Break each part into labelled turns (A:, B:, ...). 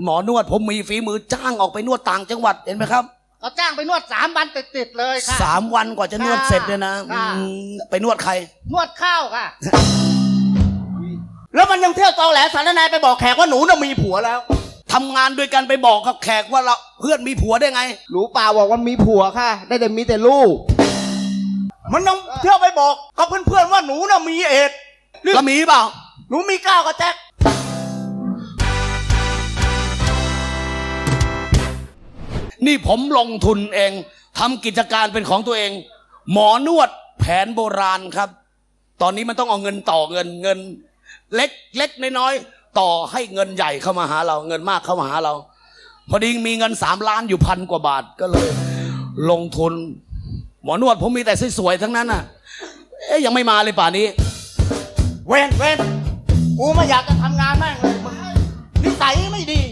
A: หมอนวดผมมีฝีมือจ้างออกไปนวดต่างจังหวัดเห็นไหมครับ
B: เขาจ้างไปนวด3 วันติดเลยค่ะ
A: 3 วันกว่าจะนวดเสร็จเนี่ยนะไปนวดใคร
B: นวดข้าวค่ะ
C: แล้วมันยังเที่ยวตอแหลสารนายไปบอกแขกว่าหนูน่ะมีผัวแล้ว
A: ทำงานด้วยกันไปบอกกับแขกว่าเราเพื่อนมีผัวได้ไง
C: รู้เปล่าบอกว่ามีผัวค่ะได้แต่มีแต่ลูกมันยังเที่ยวไปบอกกับเพื่อนๆว่าหนูน่ะมีเอด
A: แล้วมีเปล่า
C: หนูมีก้าวกับแจ็ค
A: นี่ผมลงทุนเองทำกิจการเป็นของตัวเองหมอนวดแผนโบราณครับตอนนี้มันต้องเอาเงินต่อเงินเล็กน้อยต่อให้เงินใหญ่เข้ามาหาเราเงินมากเข้ามาหาเราพอดีมีเงิน3 ล้านอยู่1,000 กว่าบาทก็เลยลงทุนหมอนวดผมมีแต่สวยๆทั้งนั้นน่ะยังไม่มาเลยป่านนี้
C: เว้นกูไม่อยากจะทำงานแม่งเลยมึงนิสัยไม่ดี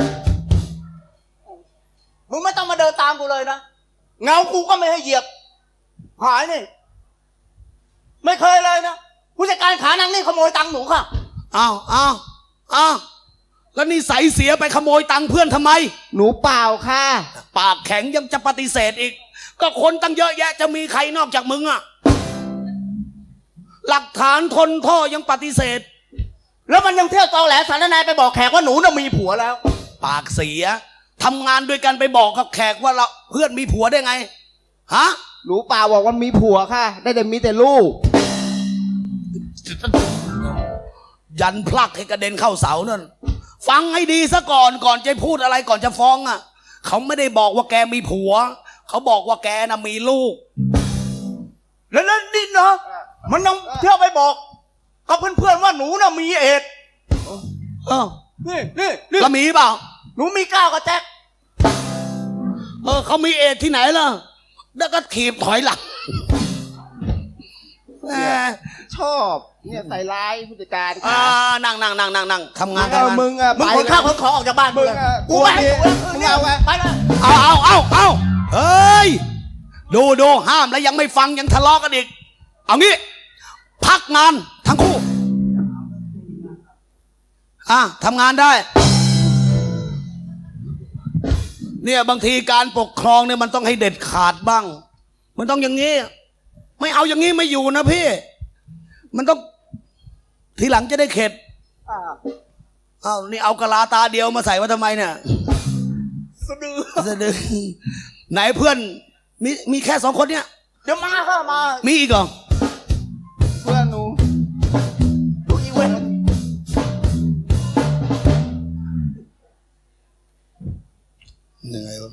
C: มึงไม่ต้องมาเดินตามกูเลยนะเงากูก็ไม่ให้เหยียบหายนี่ไม่เคยเลยนะผู้จัดการขานังนี่ขโมยตังค์หนูค่ะ
A: อ้าวแล้วนี่ใส่เสียไปขโมยตังค์เพื่อนทำไม
C: หนูเปล่าค่ะ
A: ปากแข็งยังจะปฏิเสธอีกก็คนตั้งเยอะแยะจะมีใครนอกจากมึงอะหลักฐานทนท่อยังปฏิเสธ
C: แล้วมันยังเที่ยวตอแหลสารนายไปบอกแขกว่าหนูน่ะมีผัวแล้ว
A: ปากเสียทำงานด้วยกันไปบอกกับแขกว่าเราเพื่อนมีผัวได้ไงฮะ
C: รู้เปล่าบอกว่ามีผัวค่ะได้แต่มีแต่ลูก
A: ยันพลักให้กระเด็นเข้าเสานั่นฟังให้ดีซะก่อนจะพูดอะไรก่อนจะฟ้องอ่ะเขาไม่ได้บอกว่าแกมีผัวเขาบอกว่าแกน่ะมีลูก
C: แล้วนี่เนาะมันยังเที่ยวไปบอกกับเพื่อนๆว่าหนูน่ะมีเอดนี่
A: แล้วมีเปล่า
C: หนูมีก้าวกับแจ็ค
A: เขามีเอดที่ไหนล่ะแล้วก็ถีบถอยหลัง
C: ชอบเนี่ยใส่ร้ายผู้จัดการ
A: นั่งทำงานกัน
C: มึงขนข้าวขนของออกจากบ้านมึงกูไปมึงเอาไปเลย
A: เอาเฮ้ยดูห้ามแล้วยังไม่ฟังยังทะเลาะกันอีกเอางี้พักงานทั้งคู่ทำงานได้เนี่ยบางทีการปกครองเนี่ยมันต้องให้เด็ดขาดบ้างมันต้องอย่างนี้ไม่เอาอย่างนี้ไม่อยู่นะพี่มันต้องทีหลังจะได้เข็ดนี่เอากะลาตาเดียวมาใส่ว่าทำไมเนี่ยสะดือไหนเพื่อนมีแค่2 คนเนี่ย
C: เดี๋ยวมาค่ะมา
A: มีอีกเหรอ
C: เพื่อนหนูดูอีเวนต์
A: เหนื่อยวะ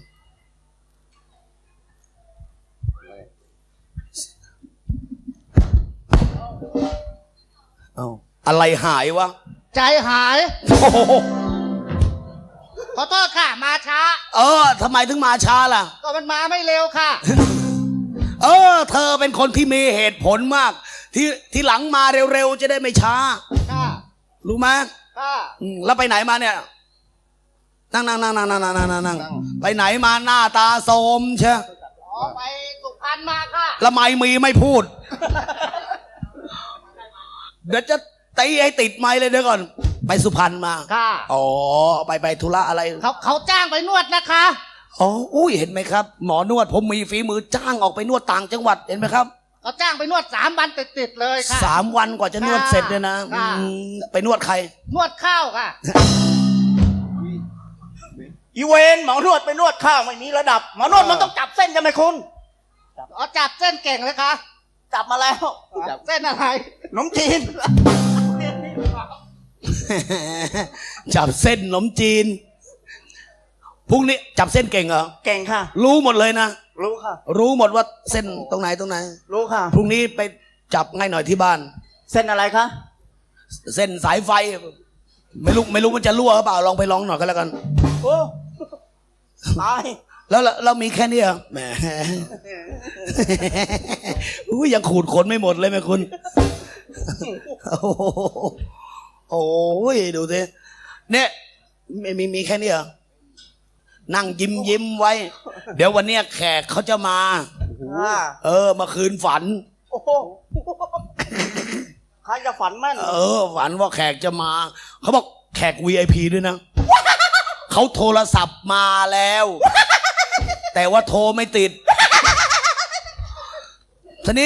A: อะไรหายวะ
B: ใจหายขอโทษค่ะมาช้า
A: ทำไมถึงมาช้าล่ะ
B: ก็มันมาไม่เร็วค่ะ
A: เธอเป็นคนที่มีเหตุผลมากที่หลังมาเร็วๆจะได้ไม่ช้า
B: ค่ะ
A: รู้ไหม
B: ค่ะ
A: แล้วไปไหนมาเนี่ยนั่งไปไหนมาหน้าตาโทรมเชียว
B: ไปสุพรรณมาค่ะ
A: แล้วไม่พูดเดี๋ยวจะตีให้ติดไม้เลยเดี๋ยวก่อนไปสุพรรณมา
B: ค่ะ
A: ไปธุระอะไร
B: เขาจ้างไปนวดนะคะ
A: อุ้ยเห็นไหมครับหมอนวดผมมีฝีมือจ้างออกไปนวดต่างจังหวัดเห็นไหมครับ
B: เขาจ้างไปนวด3 วันติดเลยค่ะ
A: 3 วันกว่าจะนวดเสร็จเนี่ยนะไปนวดใคร
B: นวดข้าวค่ะ
C: อีเวนหมอนวดไปนวดข้าวไม่มีระดับหมอนวดมันต้องจับเส้นใช่ไหมคุณ
B: จับเส้นเก่งเลยค่ะ
C: จับมาแล้ว
B: เส้นอะไร
C: ขนมจีน
A: จับเส้นขนมจีนพรุ่งนี้จับเส้นเก่งเหรอ
C: เก่งค่ะ
A: รู้หมดเลยนะ
C: รู้ค่ะ
A: รู้หมดว่าเส้นตรงไหน
C: รู้ค่ะ
A: พรุ่งนี้ไปจับง่ายหน่อยที่บ้าน
C: เส้นอะไรคะ
A: เส้นสายไฟไม่รู้มันจะรั่วหรือเปล่าลองไปลองหน่อยก็แล้วกัน
C: โอ้ตาย
A: แล้วเรามีแค่นี้เหรอแหมยังขูดขนไม่หมดเลยแม่คุณโอ้ยดูสิเนี่ยมีแค่นี้เหรอนั่งยิ้มไว้เดี๋ยววันเนี้ยแขกเขาจะมามาคืนฝัน
C: ใครจะฝันแม่น
A: ฝันว่าแขกจะมาเขาบอกแขก VIP ด้วยนะเขาโทรศัพท์มาแล้ว แต่ว่าโทรไม่ติดทีนี้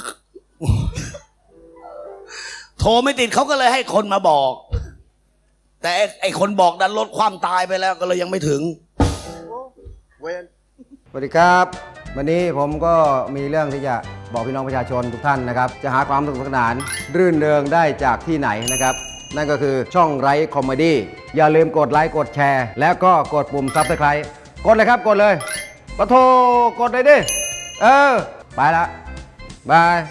A: โทรไม่ติดเขาก็เลยให้คนมาบอก แต่ไอ้คนบอกดันลดความตายไปแล้วก็เลยยังไม่ถึง
D: สวัสดีครับ วันนี้ผมก็มีเรื่องที่จะบอกพี่น้องประชาชนทุกท่านนะครับ จะหาความสนุกสนานรื่นเริงได้จากที่ไหนนะครับ นั่นก็คือช่องไร้คอมเมดี้อย่าลืมกดไลค์กดแชร์ แล้วก็กดปุ่มซับสไครต์กดเลยครับกดเลยปะโทกดเลยดิ ไปละบาย